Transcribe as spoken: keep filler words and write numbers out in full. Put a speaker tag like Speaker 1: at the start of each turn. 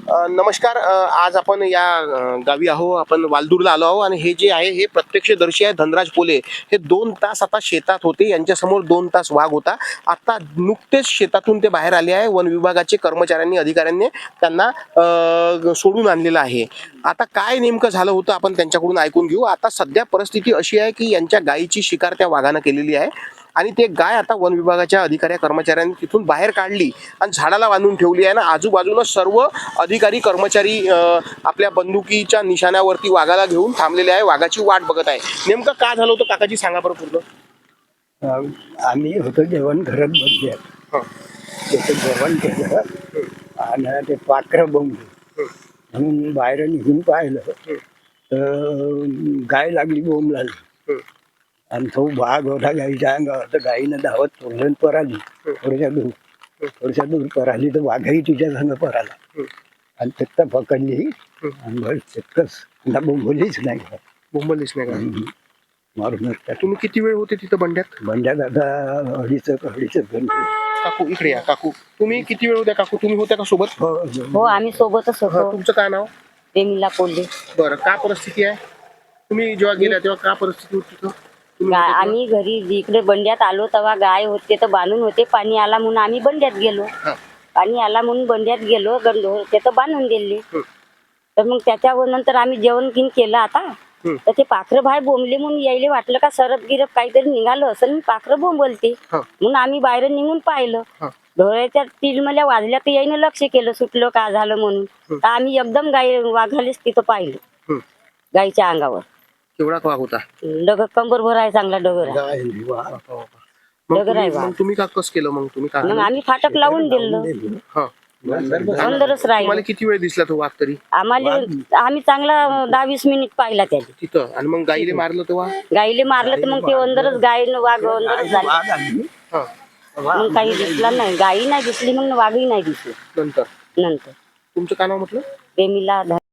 Speaker 1: अ, नमस्कार. अ, आज आपण या अ, गावी आहो. आपण वालदूरला आलो आहो आणि हे जे आहे हे प्रत्यक्षदर्शी आहे धनराज पोले. हे दोन तास आता शेतात होते. यांच्यासमोर दोन तास वाघ होता. आता नुकतेच शेतातून ते बाहेर आले आहे. वन विभागाचे कर्मचाऱ्यांनी अधिकाऱ्यांनी त्यांना अ, सोडून आणलेलं आहे. आता काय नेमकं झालं होतं आपण त्यांच्याकडून ऐकून घेऊ. आता सध्या परिस्थिती अशी आहे की यांच्या गायीची शिकार त्या वाघानं केलेली आहे आणि ते गाय आता वन विभागाच्या अधिकारी कर्मचाऱ्यांनी तिथून बाहेर काढली आणि झाडाला बांधून ठेवली आहे ना. आजूबाजूला सर्व अधिकारी कर्मचारी अ, आपल्या बंदुकीच्या निशाण्यावरती वाघाला घेऊन थांबलेले आहे. वाघाची वाट बघत आहे. नेमकं काय झालं होतं काकाजी, सांगा बरं पूर्ण.
Speaker 2: अं, आम्ही होतो जेवण घरात बसले.
Speaker 1: हं,
Speaker 2: त्याचं जेवण केलं आणि ते पाखरं बोंबली म्हणून बाहेर निघून पाहिलं तर गाय लागली बोंब लागली
Speaker 1: हं,
Speaker 2: आणि तो वाघ होता गाईच्या अंगावर. तर गाईनं धावत तोडलं पराली थोड्याशा दूर थोड्याशा दूर पराली तर वाघही तिच्या संग पराला
Speaker 1: हं,
Speaker 2: आणि तिथं पकडली
Speaker 1: हं.
Speaker 2: आणि बस तितकंच बोंबलीच नाही
Speaker 1: बोंबलीच नाही का?
Speaker 2: हम्म. मारून टाकली.
Speaker 1: तुम्ही किती वेळ होते तिथं बंड्यात?
Speaker 2: बंड्यात आता अडीच अडीच घंटे.
Speaker 1: काकू इकडे या. काकू तुम्ही किती वेळ होत्या? काकू तुम्ही होत्या का सोबत?
Speaker 2: हो
Speaker 3: हो आम्ही सोबतच
Speaker 1: हं,
Speaker 3: होतो.
Speaker 1: तुमचं काय नाव?
Speaker 3: प्रेमीला कोल्हे.
Speaker 1: बरं, का परिस्थिती आहे? तुम्ही जेव्हा गेल्या तेव्हा का परिस्थिती होती तिथं? तुम्ही
Speaker 3: गा-
Speaker 1: होते तेव्हा?
Speaker 3: आम्ही घरी इकडे बंड्यात आलो तेव्हा गाय होते तर बांधून होते. पाणी आला म्हणून आम्ही बंड्यात गेलो.
Speaker 1: हं,
Speaker 3: पाणी आला म्हणून बंड्यात गेलो. गंध होते तर बांधून दिले.
Speaker 1: हं,
Speaker 3: तर मग त्याच्यावर नंतर आम्ही जेवण गिन केलं आता.
Speaker 1: हं,
Speaker 3: तर ते पाखरं बाहेर बोंबले म्हणून यायले वाटलं का सरप गिरप काहीतरी निघालं असं म्हणून पाखरं बोंबलते
Speaker 1: हं,
Speaker 3: म्हणून आम्ही बाहेर निघून पाहिलं.
Speaker 1: हं,
Speaker 3: ढोळ्याच्या तिलमल्या वाजल्या तर यायनं लक्ष केलं सुटलं का झालं म्हणून.
Speaker 1: हं.
Speaker 3: तर आम्ही एकदम गाय वाघालेच तिथं पाहिलं.
Speaker 1: हं.
Speaker 3: गायीच्या अंगावर
Speaker 1: केवढा वाघ होता?
Speaker 3: डगर कंबर भर आहे, चांगला डगर आहे.
Speaker 2: गाय वा.
Speaker 1: मग
Speaker 3: डगर आहे
Speaker 1: तुम्ही
Speaker 3: वाघ.
Speaker 1: मग तुम्ही का कस केलं? मग तुम्ही
Speaker 3: मग
Speaker 1: का
Speaker 3: आम्ही फाटक लावून दिलं.
Speaker 1: हा
Speaker 3: अंदरच राहिलो.
Speaker 1: तुम्हाला किती वेळ दिसला तो वाघ तरी
Speaker 3: आम्हाला आम्ही चांगला दहा वीस मिनिट पाहिला त्याने.
Speaker 1: तिथं? आणि मग गाईले मारलं तेव्हा?
Speaker 3: गाईले मारलं तर मग ते अंदरच गाय वाघ अंदरच झाली.
Speaker 2: वाघ आली.
Speaker 1: हा,
Speaker 3: मग काही दिसला नाही. गाई नाही दिसली मग वाघही नाही दिसली.
Speaker 1: नंतर
Speaker 3: नंतर
Speaker 1: तुमचं काय नाव म्हटलं?
Speaker 3: प्रेमीला